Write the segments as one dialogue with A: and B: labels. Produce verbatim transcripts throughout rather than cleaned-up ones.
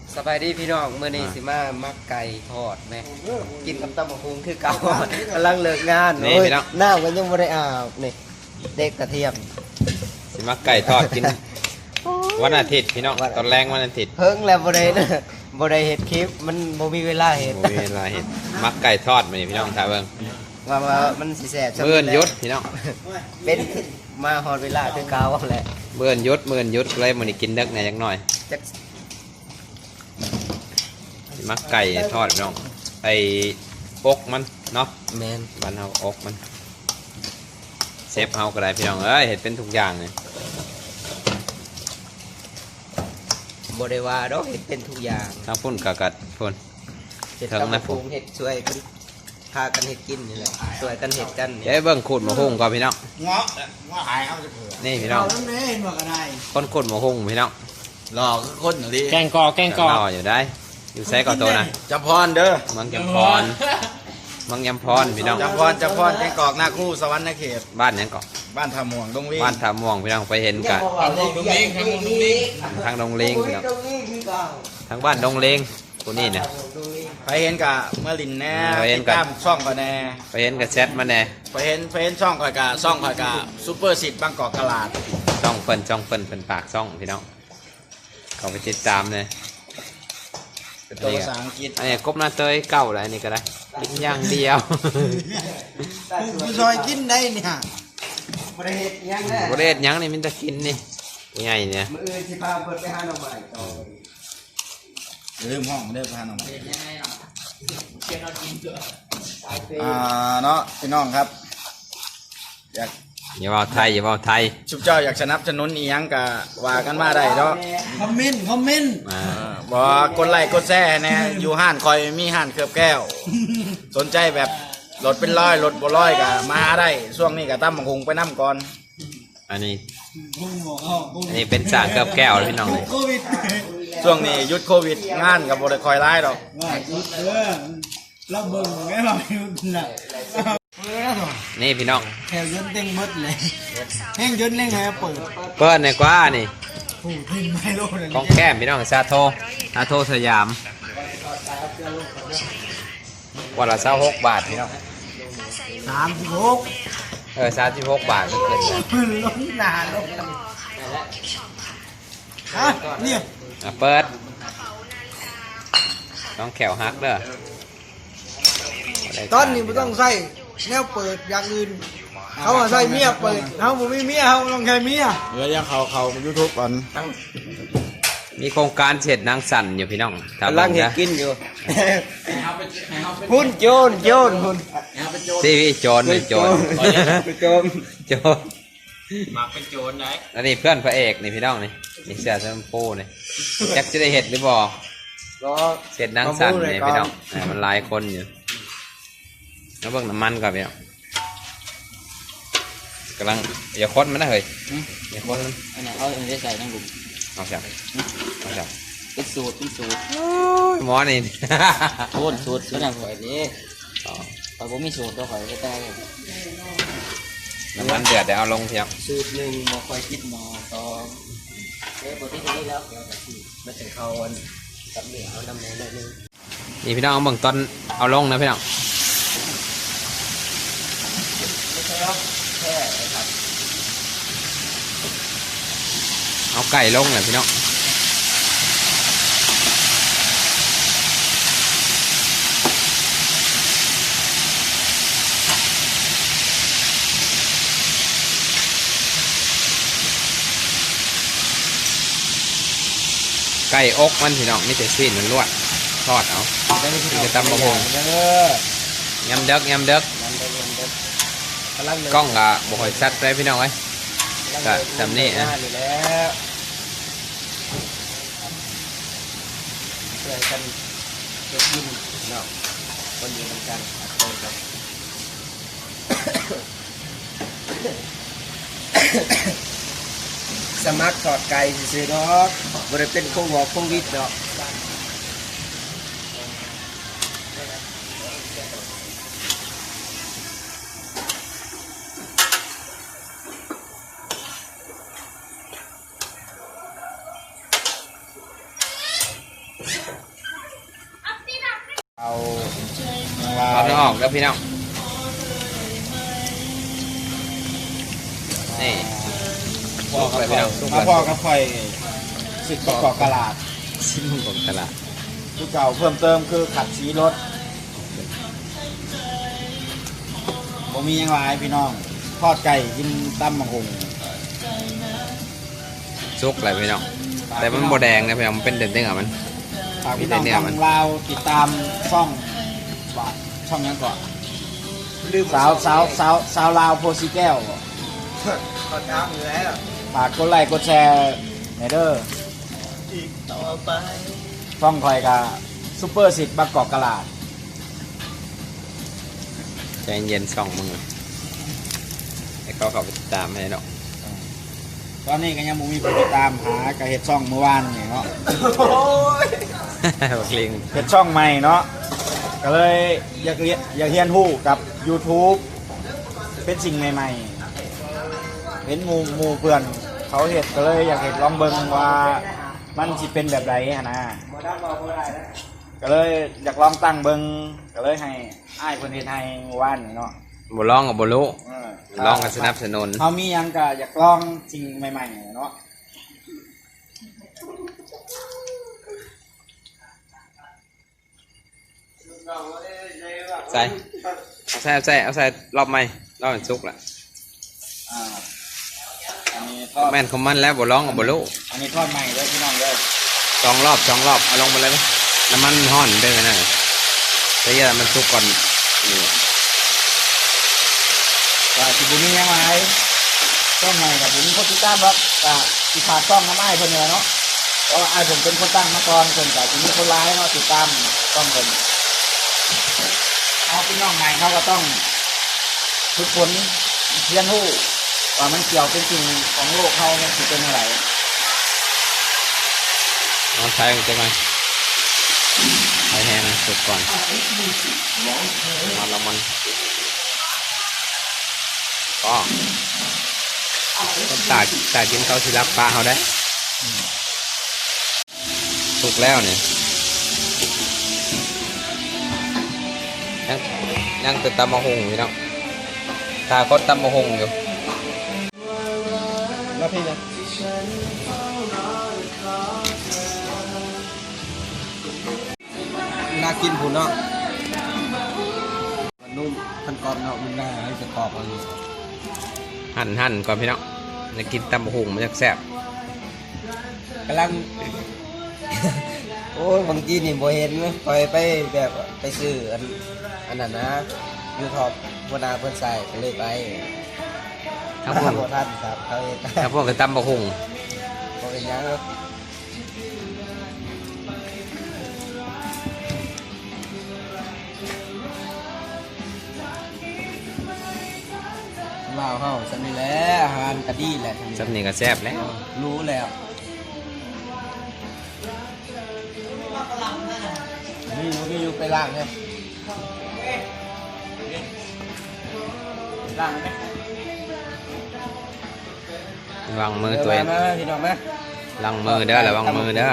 A: สบายดีพี่น้องเมื่อนี้สิมามักไก่ทอดไหมกินกับตำบักหุ่งคือเก่ากำลังเลิกงานโอ้ยน้ำกันยังไม่ได้อาบนี่เด็กกระเทียม
B: สิมักไก่ทอดกินวันอาทิตย์พี่น้องตอนแรงวันอาทิตย์
A: เพิ่งแล้วบ่ได้นะบ่ได้เห็ดคลิปมันบ่มีเวลาเห็ด
B: บ่มีเวลาเห็ดมักไก่ทอดมานี่พี่น้องท่าเบิ่ง
A: ว่าว่ามันสิแซ่บ
B: เบิ่นยุดพี่น้อง
A: เป็นมาฮอดเวลาคือเก่าแหละ
B: เบิ่นยุดเบิ่นยุดเลยมื้อนี้กินดึกแหน่จักหน่อยมักไก่ทอดพี่น้องไอ้อกมันเนาะ
A: แม่น
B: บ้านเฮาอกมันเซฟเฮาก็ได้พี่น้องเอ้ยเฮ็ดเป็นทุกอย่างเลย
A: บ่ได้ว่าดอกเฮ็ดเป็นทุกอย่าง
B: ทั้งพุ่นกะกัดพุ่น
A: เฮ็ดตำบักหุ่งเฮ็ดช่วยกันพากันเฮ็ดกินนี่แหละช่วยกันเฮ็ดกัน
B: เอ้ยเบิ่งขูดมะฮุ่งก่อนพี่น้อง
C: เงาะเงาะหายเอาจะเผื่อ
B: นี่พี่น้องคนขูดมะฮุ่งพี่น้อง
C: รอคนหรือ
B: แกงกอแกงกอรออยู่ได้อยู่ไสก่อนโตนะ
C: จำพรเด้อ
B: เมืองจำพรเมืองจำพรพี่น้อง
C: จำพรจำพรแกงกอกหน้าคู่สวรรค์เขต
B: บ้านยังก่อน
C: บ้านท่าม่วงดงลิง
B: บ้านท่าม่วงพี่น้องไปเห็นกัน
C: ทางม่วงดงลิงทางม่วงดงลิง
B: ทางดงเลงพี่น้องทางบ้านดงเลงคนนี้นะ
C: ไปเห็นกะเมื่อลินแน่ไปเห็นกะช่องก่อนแน่
B: ไปเห็นกับแชทมาแน่
C: ไปเห็นไปเห็นช่องก่อนกะช่องก่อนกะซูเปอร์สิทธิ์บางกอกตลาด
B: ช่องเปิ้นช่องเปิ้นเป็นปากช่องพี่น้องเขาไปติดตามเลย
C: เป็นตัวภาษาอังกฤษ
B: อันนี้กบหน้าเตยเก่าอะไรนี่ก็ได้กินอย่างเดียว
C: ผู้ชายกินได้เนี่ย
A: บริเฮ็ดยังแน่
B: บริเฮ็ดยังนี่มันจะกินนี่ใหญ่เนี่ย
A: มื้ออื่นสิพาเพิ่นไปหาหน่อไม้ต่อ
C: ลืมห้องเด้อพาหน่อไม้อ่าเนาะพี่น้องครับอยาก
B: อย่าว่าไทยอย่าว่าไทย
C: ชุบเจ้าอยากสนับสนุนอีหยังกะว่ากันมาได้เนาะ
A: คอมเมนต์คอมเมนต์
C: อ่าบ่กดไลค์กดแชร์แน่อยู่ห้านคอยมีห้านเคลือบแก้วสนใจแบบรถเป็นร้อยรถบ่ร้อยกะมาได้ช่วงนี้กะตั้มบังคงไปนำก่อน
B: อันนี้อันนี้เป็นสร้างเคลือบแก้วพี่น้องเลย
C: ช่วงนี้หยุดโควิดงานกับบ่ได้คอยร้ายดอก
A: เราเบิ่งแม่เราอยู่น่ะ
B: นี่พี่น้อง
A: แถวยนต์เต็งมดเลยแห้งยนต์เล่งให้เปิด
B: เปิดในกว่านี่
A: โอ้ทิ้งไม่โลด
B: ของแก้มพี่น้องซาโทซาโทสยามวันละเศร้าหกบาทพี่น้อง
A: สามสิบหก
B: เออสามสิบหกบาทไม่เกิน
A: พื้นล้นหนาลงฮะเนี่ย
B: เปิดต้องแขวฮักเด้อ
A: ตอนนี้ไม่ต้องใส่แนวเปิดอย่างอื่นเขาใส่เมียเปิดเขาไม่มีเมียเขาต้องใช้เมีย
C: เดี๋ยวยังเขาเขายูทูบก่อน
B: มีโครงการเสร็จนางสั่นอยู่พี่น้อง
A: กำลังเห็นกินอยู่หุ่นโจนโจนหุ่น
B: ทีวีโจนเป็นโจน
A: โจน
B: โจน
C: มาเป็นโจนไหน
B: อันนี้เพื่อนพระเอกนี่พี่น้องนี่นี่เสียเซมโป้นี่จักจะได้เห็ดหรือบ่เสร็จนางสั่นนี่พี่น้องมันหลายคนอยู่แล้วเบิ่งน้ำมันก่อนพี่น้องกำลังอย่าค้นมันนะเฮ้ยอย่าค้นมัน
A: อันนั้นเอาอันนี้ใส่ทั้งหลุม
B: เอาจับเอาจับ
A: เป็นสูตรเป็นสูตร
B: หมอนี่
A: สูตรสูตรสูตรอย่างไรดีแต่ผมมีสูตรตัวข่อยก็ได้
B: น้ำมันเดือดเดี๋ยวเอาลงเพียง
A: สูตรหนึ่งหมอคอยคิดหมอสองเอ๊ะบทที่นี้แล้วเดี๋ยวจะที่มาถึงเขาอันกับเหนียวน้ำแน่เลย
B: นี่พี่น้องเอาเบิ่งตอนเอาลงนะพี่น้องเอาไก่ลงเลยพี่น้องไก่อกมันพี่น้องนี่แต่ซีนมันลวดทอดเอาจะตำบะฮงยำเด็กยำเด็กกล้องกะบ่อยชัดเลยพี่น้องไอ้กะจำนี่นะ
A: ช่วยกันเก็บยินเนาะคนอยู่เหมือนกันสมัครทอดไก่ซื้อดอกบริเป็นโควิดเนาะ
C: เอา
B: เอาเนื้อออกแล้วพี่น้องนี่
C: พ่อกับ
B: ไป
C: ข่อย
B: สุก
C: มา
B: แล้ว
C: พ่อกับข่อยสิบกอกกะลาด
B: ชิ้นของตลาด
C: ที่เก่าเพิ่มเติมคือขัดสีรถผมมีอย่างไรพี่น้องทอดไก่กินตำมะฮุง
B: ซุกอะไรพี่น้องแต่มันโบแดงนะพี่น้องมันเป็นเด่นๆอ่ะมัน
C: ฝากพี่น้อง
B: เนี่ยมัน
C: ทางลาวติดตามช่องว่าช่องยังก่อนสาวสาวสาวสาวลาวโพสีแก้ว
A: ขอถามอยู่แล้ว
C: ฝากกดไลค์กดแชร์ในเด้อ
A: อีกต่อไป
C: ช่องคอยกับซูเปอร์สิทธิ์บางกอกกะลาด
B: ใจเย็นส่องมึงให้เขาเขาไปติดตามให้เนาะ
C: ตอนนี้ก็ยังบ่มีผู้ติดตามหากระเฮ็ดช่องเมื่อวานนี่เนาะ
A: โอ้ย
B: บักลิง
C: เฮ็ดช่องใหม่เนาะก็เลยอยากเรียนอยากเรียนรู้กับ YouTube เป็นสิ่งใหม่ๆเห็นหมู่หมู่เพื่อนเขาเฮ็ดก็เลยอยากเฮ็ดลองเบิ่งว่ามันสิเป็นแบบใดหั้นนะก็เลยอยากลองตั้งเบิ่งก็เลยให้อ้ายเพิ่นเฮ็ดให้เมื่อวานนี่เนาะ
B: บ่ร้องกับบ่รู้
C: เออ
B: ร้องกันสนับสนุน
C: เขามีหยังก็อยากลองสิ่งใหม่ๆเนาะ
B: ใส่เอาใส่เอาใส่เอาใส่รอบใหม่รอบมันซุกละ
C: อ่าอันนี้ทอด
B: แม่นของมันแล้วบ่ร้องกับบ่รู้
C: อันนี้ทอดใหม่เลยพี่น้องเลย
B: สองรอบสองรอบเอาลงไปเลยไหมน้ำมันห่อนได้ไหมนะแต่อย่ามันซุกก่อนนี่
C: ก็สิบุมีหยังไงต้องใหม่กับผมคนติดตามครับก็สิฝากต้องน้ำไอ้ายเพิ่นเนี่ยเนาะเพราะว่าไอ้ายผมเป็นคนตั้งมาก่อนเพิ่นก็สิมีคนร้ายเนาะติดตามต้องเพิ่นเอาพี่น้องใหม่เขาก็ต้องฝึกฝนเรียนรู้ว่ามันเกี่ยวเป็นจริงของโลกเขามันสิเป็นอะไร
B: เอาใช้มันจะไหมใช้แห้งสุกก่อนมันละมันก็คนตากตากกินเขาสิรับปลาเขาได้สุกแล้วเนี่ยยังยังติดตำมะฮุงอยู่เนาะตาก็ตำมะฮุงอยู่
A: แล้วพี่นะน่ากินผุนเนาะมันนุ่มมันกรอบเนาะมันน่าให้จะกรอบอะไร
B: หั่นหั่นก่อนพี่น้องจะกินตำมะฮุงมันจะแซ่บ
A: กำลัง โอ้ยบางทีนี่บ่เห็นไหมคอยไปแบบไปซื้ออันอันนั้นนะยูทอปวนาเพิ่นใส่ก็เลยไป
B: ครับผม
A: บ่ทันครับเขาเอง
B: ถ้าพวกกับตำมะฮุง
A: บ่เป็นหยังเนาะว้าวเฮาซั่นนี่แหละอาหารก็ดีแหละ
B: สับนี่ก็แซ่บแล้ว
A: รู้แล้วนี่อยู่นี่อยู่ไปล้างเนี่ยล้างไหม
B: วางมือตัวเอง
A: มาพี่น้องมา
B: ลังมือเด้อระวังมือเด้อ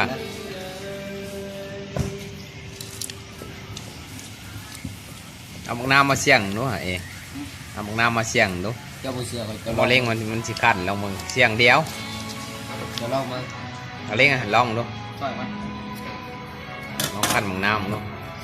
B: เอาหมกน้ำมาเสี่ยงดูหะเองเอาหมกน้ำมาเสี่ยงดู
A: เจ้าบุเสือไป
B: โมเล้งมันมันสิขันลองมึงเสี่ยงเดียว
A: จะลองมา
B: เอาเล้งอ่ะลองดู
A: ต่อยมา
B: ลองขันหมกน้ำดู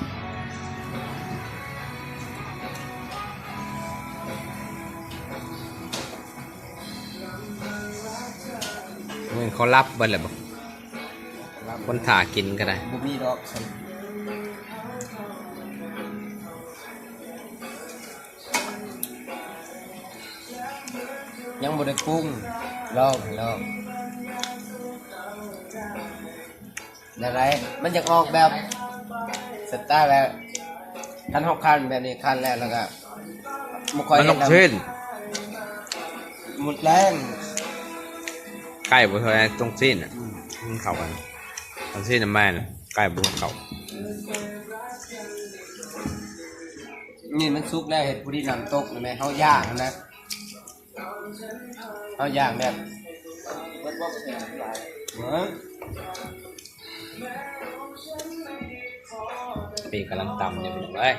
B: มึงเขารับเบิ้ลเลยบอกคนถ่ากินก็ได้
A: บุมีดอกฉันยังบ่ได้ปรุงลองลองอะไรมันจะออกแบบสไตล์แบบคันหกคันแบบนี้คันแล้วแล้วก็บ่ค่อย
B: มันลง
A: เห็น
B: ชื่น
A: หมดแรง
B: ไก่บุเทยตรงซีนอ่ะมันเข่ากันตรงซีนน่ะแม่น่ะไก่บุเข่า
A: นี่มันซุกแล้วเห็ดผู้ที่นำตกนะแม่เขาย่างนะเขาย่างแบบเหมือน
B: ปีกกำลังต่ำอยู่พี่น้องเอ้ย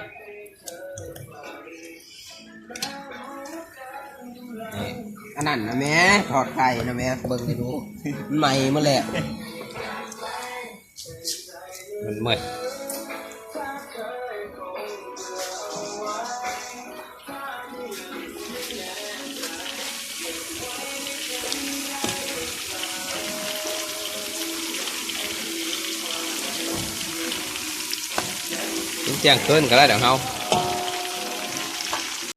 B: นี่
A: อันนั้นนะแม่ทอดไข่นะแม่เบิ่งให้ดูใหม่มาแหละ
B: มันมืดเที่ยงคืนก็ได้เดี๋ยวเฮา